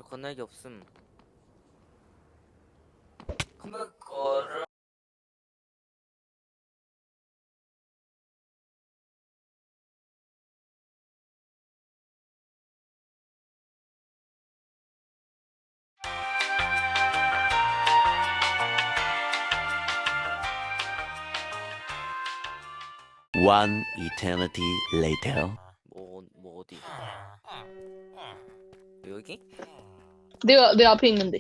건날개 없음. 컴백거를 One eternity later. 뭐 어디? 여기? 내 앞에 있는데.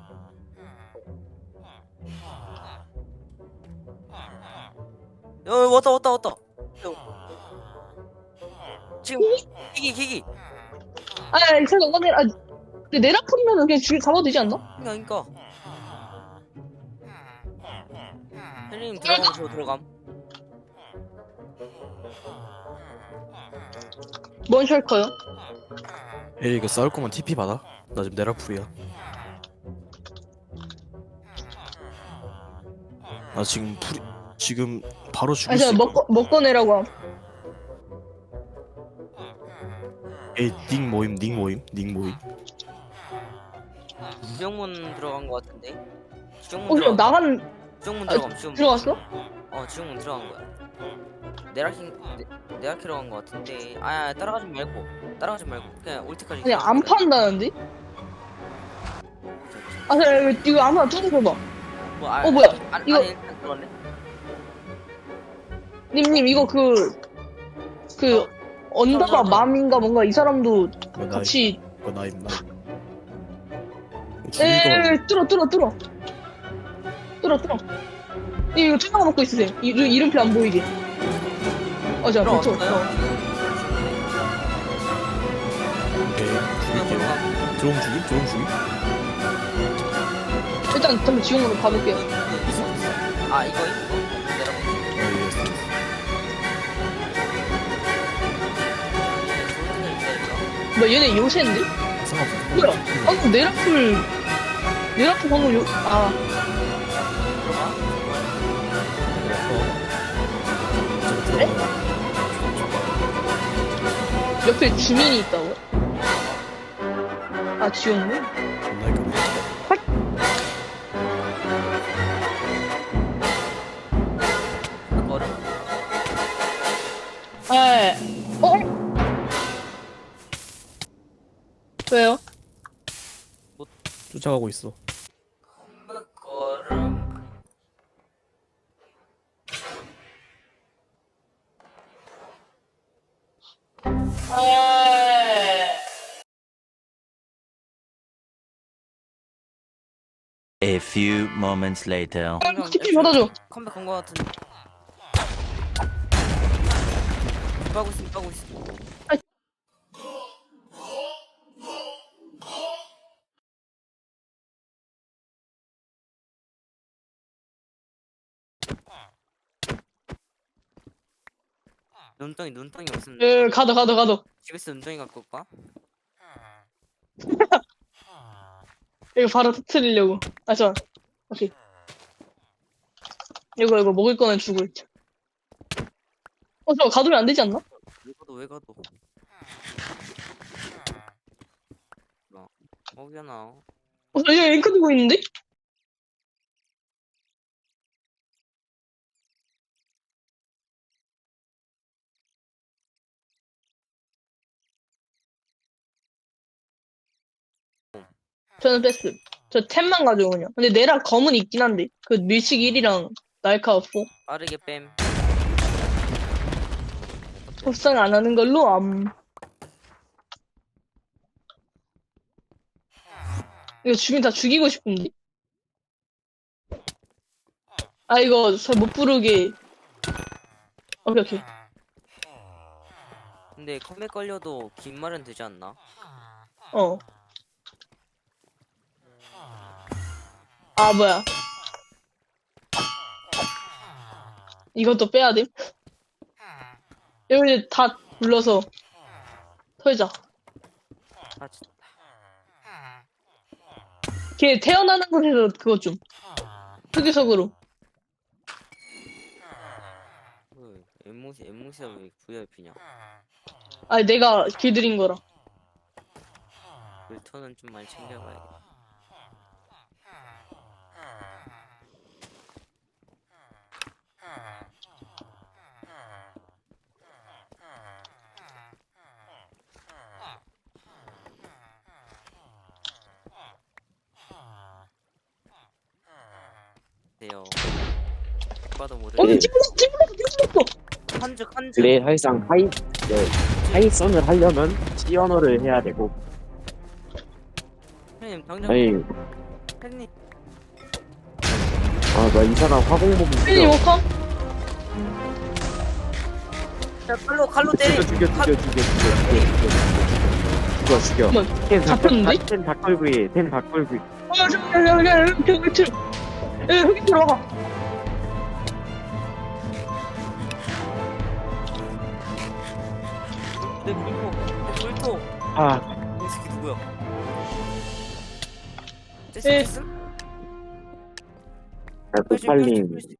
왔다. 지금 기기. 잠깐, 근데 내라풀이면은 그냥 잡아도 되지 않나? 그러니까. 헬리님 들어가면 저 들어감. 뭔 셜커요? 에이 이거 싸울 거면 TP 받아. 나 지금 네라풀이야. 나 지금 바로 죽을 수 잠깐, 있거든. 먹고 내라고 함. 에이 닉 모임. 지정문 들어간 거 같은데. 그냥 나간, 지정문 아, 들어감. 지금 들어갔어? 지정문 들어간 거야. 네라키로 간 거 같은데. 따라가지 말고 그냥 올 때까지. 그냥 안 판다는데? 이거 아무나 뚫어줘봐. 뭐야? 이거- 아니 일단 들어갔네. 님, 이거 언더바 맘인가 뭔가 이 사람도 이거 같이, 나임. 죽을 거. 뚫어. 이거 투명 먹고 있으세요. 이름표 안 보이게. 자, 그렇죠. 들어왔어요. 오케이. 죽일게요. 드론 죽임. 일단 잠깐 지원으로 가볼게요. 이거 내려가. 뭐 얘네 요새인데? 상관없어. 뭐야? 방금 내라풀 방금 네? 옆에 주민이 있다고? 지원문? 그거를 왜요? 쫓아가고 있어. 그거를 A few moments later. TP 받아줘. 컴백 간거 같은데. 빠고 있어. 눈덩이 없으면 가도. 집에서 눈덩이 갖고 올까? 이거 바로 터트리려고. 잠깐. 오케이. 이거 먹을 거는 주고 있자. 저 가두면 안 되지 않나? 왜 가도 먹여놔. 저 이거 앵커 들고 있는데? 저는 뺐음. 저 템만 가져오냐. 근데 내라 검은 있긴 한데. 그 밀식 1이랑 날카 4. 빠르게 뺨. 협상 안 하는 걸로 이거 주민 다 죽이고 싶은데? 이거 잘 못 부르게. 오케이. 근데 컴백 걸려도 긴 말은 되지 않나? 뭐야. 이것도 빼야 돼? 여기 다 불러서 털자. 진짜. 걔 태어나는 곳에서 그거 좀. 특이석으로. 엠무시가 왜 VIP냐? 내가 길들인 거라. 물토는 좀 많이 챙겨가야겠다. 네요. 봐도 모르겠네. 찌물렀어. 한죽. 그래 사실상 하이선을 하려면 시언어를 해야 되고 형님 당장. 아니 형님. 나 이 사람 화공복이 팬이 워커? 야, 칼로 때리. 죽여 잠깐만, 템 잡혔는데? 다 끌고 템다 끌고 야, 흙이 들어가. 내 물토. 이 새끼 누구야? 에. 쨌음? 도팔님